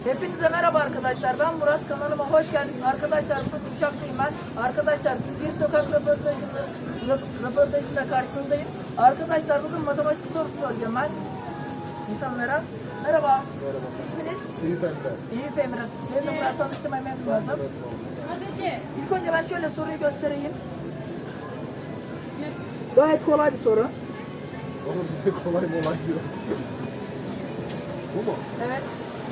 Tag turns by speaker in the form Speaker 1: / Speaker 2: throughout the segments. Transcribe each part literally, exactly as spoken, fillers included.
Speaker 1: Hepinize merhaba arkadaşlar. Ben Murat. Kanalıma hoş geldiniz. Arkadaşlar bugün Uşak'tayım ben. Arkadaşlar bir sokak röportajında, röportajında karşısındayım. Arkadaşlar bugün matematik sorusu soracağım ben insanlara. Merhaba.
Speaker 2: Merhaba.
Speaker 1: İsminiz?
Speaker 2: Eyüp Emre.
Speaker 1: Eyüp Emre. Ben de Murat, tanıştırmaya memnun oldum. İlk önce ben şöyle soruyu göstereyim. Gayet kolay bir soru.
Speaker 2: Oğlum ne kolay molay diyor. Bu mu?
Speaker 1: Evet.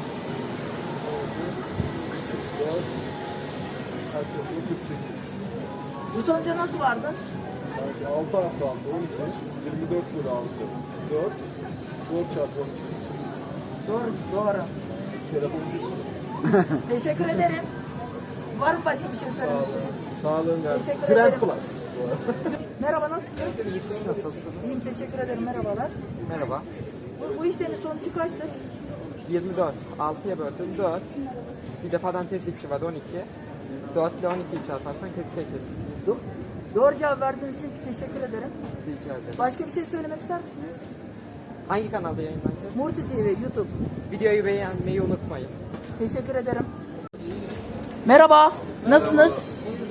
Speaker 2: kırk sekiz saat. kırk sekiz.
Speaker 1: Bu sonuca nasıl vardın?
Speaker 2: Sanki altı artı altı on iki. yirmi dört bölü altı. dört. dört çarpı on iki.
Speaker 1: Doğru. Doğru.
Speaker 2: Telefoncu.
Speaker 1: Teşekkür ederim. Var mı başka bir şey söylemek istediğin?
Speaker 2: Sağlığın gelsin.
Speaker 1: Teşekkür
Speaker 2: Trend
Speaker 1: ederim.
Speaker 2: Plus.
Speaker 1: Merhaba, nasılsınız?
Speaker 3: İyi, siz nasılsınız?
Speaker 1: İyiyim, teşekkür ederim. Merhabalar.
Speaker 3: Merhaba.
Speaker 1: Bu, bu işlemin sonucu kaçtır?
Speaker 3: yirmi dört. altıya böldüm dört. Bir de parantez içi var on iki. dört ile on ikiyi çarparsan kırk sekiz.
Speaker 1: Do Doğru cevap verdiğiniz için teşekkür ederim.
Speaker 3: Rica ederim.
Speaker 1: Başka bir şey söylemek ister misiniz?
Speaker 3: Hangi kanalda yayınlanacak?
Speaker 1: Murti T V, YouTube.
Speaker 3: Videoyu beğenmeyi unutmayın.
Speaker 1: Teşekkür ederim. Merhaba, nasılsınız?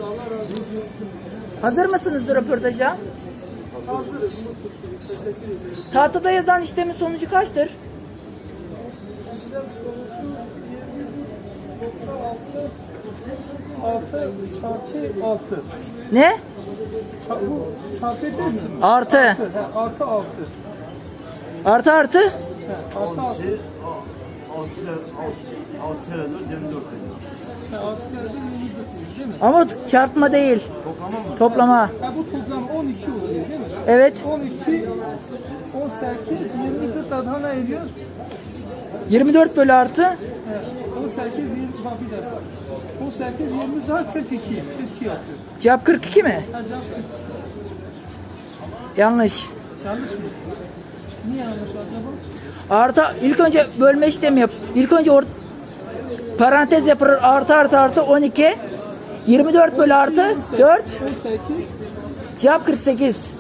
Speaker 1: Hazır mısınız röportaja?
Speaker 2: Hazırız. Teşekkür ederiz.
Speaker 1: Tahtada yazan işlemin sonucu kaçtır?
Speaker 4: İşlem sonucu yirmi nokta altı altı çarpı altı.
Speaker 1: Ne?
Speaker 4: Ça- bu çarpı değil mi?
Speaker 1: Artı.
Speaker 4: He, artı altı.
Speaker 1: Artı artı?
Speaker 4: He, artı altı.
Speaker 2: altı senedir yirmi dört
Speaker 4: He, altı kere de yirmi dört değil mi?
Speaker 1: Ama çarpma değil. Toplama.
Speaker 4: Ha, bu toplam on iki oluyor değil mi?
Speaker 1: Evet.
Speaker 4: on iki, on sekiz, yirmi dört daha ne ediyor?
Speaker 1: yirmi dört bölü artı.
Speaker 4: He, on sekiz, yirmi, bak bir dakika. on sekiz, yirmi daha kırk iki. kırk iki yapıyor.
Speaker 1: Cevap kırk iki mi?
Speaker 4: Ha, cevap kırk iki.
Speaker 1: Yanlış.
Speaker 4: Yanlış mı? Niye yanlış acaba?
Speaker 1: Artı ilk önce bölme işlemi yap. İlk önce or parantez yapılır. Artı artı artı on iki. yirmi dört bölü artı dört.
Speaker 4: on sekiz.
Speaker 1: Cevap kırk sekiz.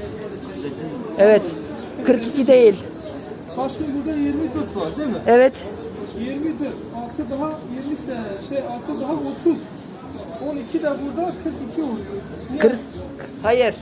Speaker 1: Evet. kırk iki değil.
Speaker 4: Karşında burada yirmi dört var değil mi?
Speaker 1: Evet.
Speaker 4: yirmi dört, altı daha yirmi sene, şey altı daha otuz. on iki de burada kırk iki oluyor. Niye?
Speaker 1: kırk Hayır.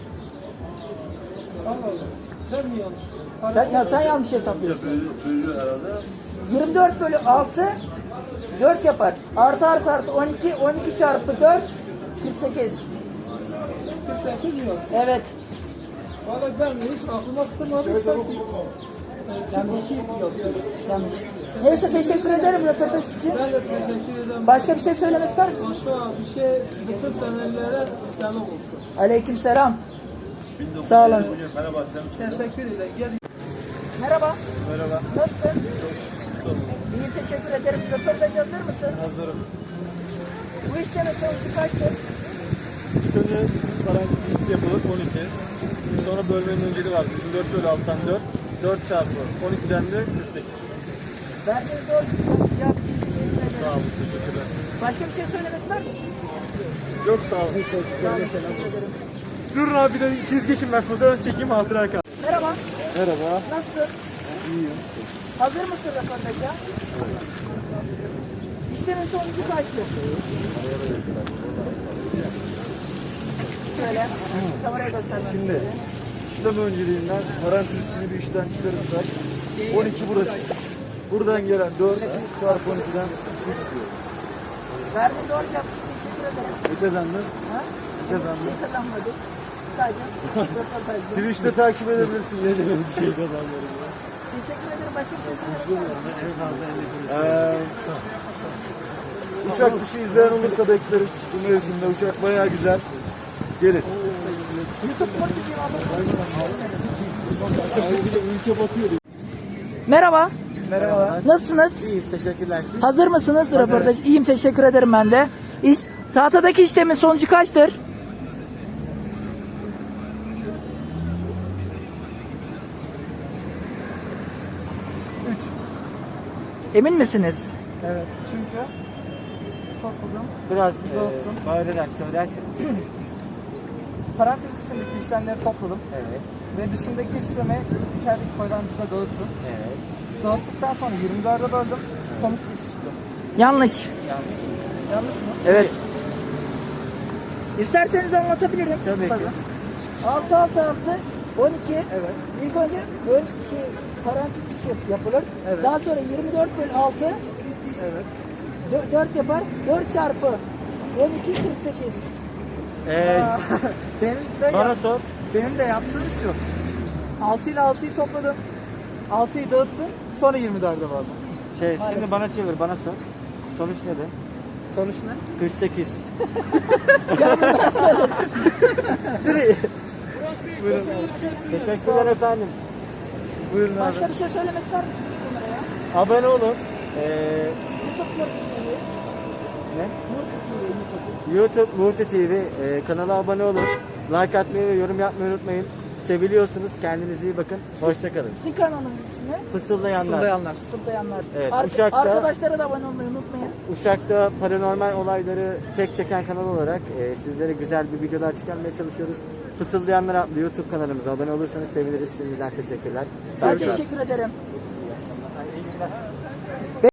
Speaker 4: Allah Allah. Sen mi yanlış?
Speaker 1: Sen, ya sen yanlış hesaplıyorsun. yirmi dört bölü altı dört yapar. Artı artı artı on iki. on iki çarpı dört kırk sekiz.
Speaker 4: kırk sekiz mi var?
Speaker 1: Evet.
Speaker 4: Valla ben hiç aklıma sığmadı sanki. Yanlış şey yapıyorum.
Speaker 1: Yanlış. Neyse, teşekkür ederim röportaj için.
Speaker 4: Ben de teşekkür ederim.
Speaker 1: Başka bir şey söylemek ister misin?
Speaker 4: Başka bir şey bütün temellere selam olsun.
Speaker 1: Aleykümselam. Sağ olun.
Speaker 4: Teşekkür ederim. Gel.
Speaker 1: Merhaba.
Speaker 2: Merhaba.
Speaker 1: Nasılsın? İyi, teşekkür ederim. Röportaj hazır mısın?
Speaker 2: Hazırım.
Speaker 1: Bu işlemin sonucu kaçtır?
Speaker 2: İlk önce parantez içi yapılır on iki. Sonra bölmenin önceliği var. yirmi dört bölü alttan dört. dört çarpı on ikiden de kırk sekiz.
Speaker 1: Verdiğiniz doğru cevap için teşekkür ederim.
Speaker 2: Sağ olun. Teşekkürler.
Speaker 1: Başka bir şey söylemek ister misiniz?
Speaker 2: Yok sağ olun.
Speaker 1: Teşekkür ederim.
Speaker 2: Durun abi bir de ikiz geçin ben fotoğraf çekeyim hatıra kal.
Speaker 1: Merhaba.
Speaker 2: Merhaba.
Speaker 1: Nasılsın?
Speaker 2: İyiyim.
Speaker 1: Hazır mısın röportaja? İşlemin sonucu kaçtır? Şöyle. Kameraya göstermek
Speaker 2: Şimdi
Speaker 1: istedim.
Speaker 2: işlem önceliğinden parantez içini bir işten çıkarırsak on iki burası. Buradan gelen dört çarpı on ikiden sekiz diyor.
Speaker 1: Verdiğin doğru cevap için teşekkür ederim.
Speaker 2: Ne kazandın?
Speaker 1: Ha?
Speaker 2: Ne kazandın?
Speaker 1: Bir şey kazanmadık. Sadece röportajdı.
Speaker 2: Twitch'te takip edebilirsin. Ne demek bir şey kazanıyorum.
Speaker 1: Teşekkür ederim. Başka bir şey söylemek ister misin?
Speaker 2: Ee, Uşak dışı izleyen olursa bekleriz. Bu mevsimde Uşak bayağı güzel. Gelin.
Speaker 1: YouTube Murti T V
Speaker 2: Ülke batıyor.
Speaker 1: Merhaba.
Speaker 3: Merhabalar.
Speaker 1: Nasılsınız?
Speaker 3: İyiyiz, teşekkürler. Siz?
Speaker 1: Hazır mısınız röportaj? İyiyim, teşekkür ederim ben de. İş, tahtadaki işlemin sonucu kaçtır?
Speaker 4: üç.
Speaker 1: Emin misiniz?
Speaker 4: Evet. Çünkü çok uzun.
Speaker 3: Biraz
Speaker 4: Uzattım.
Speaker 3: e, bağırarak söylerseniz.
Speaker 4: Parantez içindeki işlemleri topladım.
Speaker 3: Evet,
Speaker 4: Ve dışındaki işlemi içerideki parantezine dağıttım.
Speaker 3: evet.
Speaker 4: Dağıttıktan sonra yirmi dörde böldüm. Sonuç üç çıktı.
Speaker 1: Yanlış.
Speaker 5: Yanlış mı?
Speaker 1: Evet. İsterseniz anlatabilirim.
Speaker 5: Tabii ki.
Speaker 1: altı altı altı on iki.
Speaker 5: Evet.
Speaker 1: İlk önce ön şey parantez yap- yapılır.
Speaker 5: Evet.
Speaker 1: Daha sonra yirmi dört bölü altı
Speaker 5: Evet.
Speaker 1: dört yapar. dört çarpı on iki kırk sekiz.
Speaker 5: Ee, benim de
Speaker 2: Bana
Speaker 5: yap-
Speaker 2: sor.
Speaker 5: benim de yaptığım şu. altı ile altıyı topladım. altıyı dağıttım. Sonra yirmi dörde vardım.
Speaker 2: Şey, şimdi bana çevir, bana sor. Sonuç ne de?
Speaker 5: Sonuç ne?
Speaker 2: kırk sekiz.
Speaker 5: Buyurun.
Speaker 2: Teşekkürler efendim.
Speaker 5: Buyurun abi.
Speaker 1: Başka bir şey söylemek ister misiniz bunlara ya?
Speaker 2: Abone olun. Ee,
Speaker 1: YouTube Murti T V.
Speaker 2: ne?
Speaker 1: Murti T V YouTube.
Speaker 2: YouTube Murti T V e, kanala abone olun. Like atmayı ve yorum yapmayı unutmayın. Seviliyorsunuz. Kendinize iyi bakın. Hoşçakalın.
Speaker 1: Sizin kanalınız ismi?
Speaker 2: Fısıldayanlar.
Speaker 5: Fısıldayanlar.
Speaker 1: Fısıldayanlar.
Speaker 2: Evet,
Speaker 1: Arka-
Speaker 2: Uşak'ta-
Speaker 1: Arkadaşlara da abone olmayı unutmayın.
Speaker 2: Uşak'ta paranormal olayları tek çeken kanal olarak e, sizlere güzel bir videolar çıkarmaya çalışıyoruz. Fısıldayanlar adlı YouTube kanalımıza abone olursanız seviniriz. Şimdiden teşekkürler.
Speaker 1: Ben
Speaker 2: Görüşürüz.
Speaker 1: teşekkür ederim.
Speaker 2: İyi günler.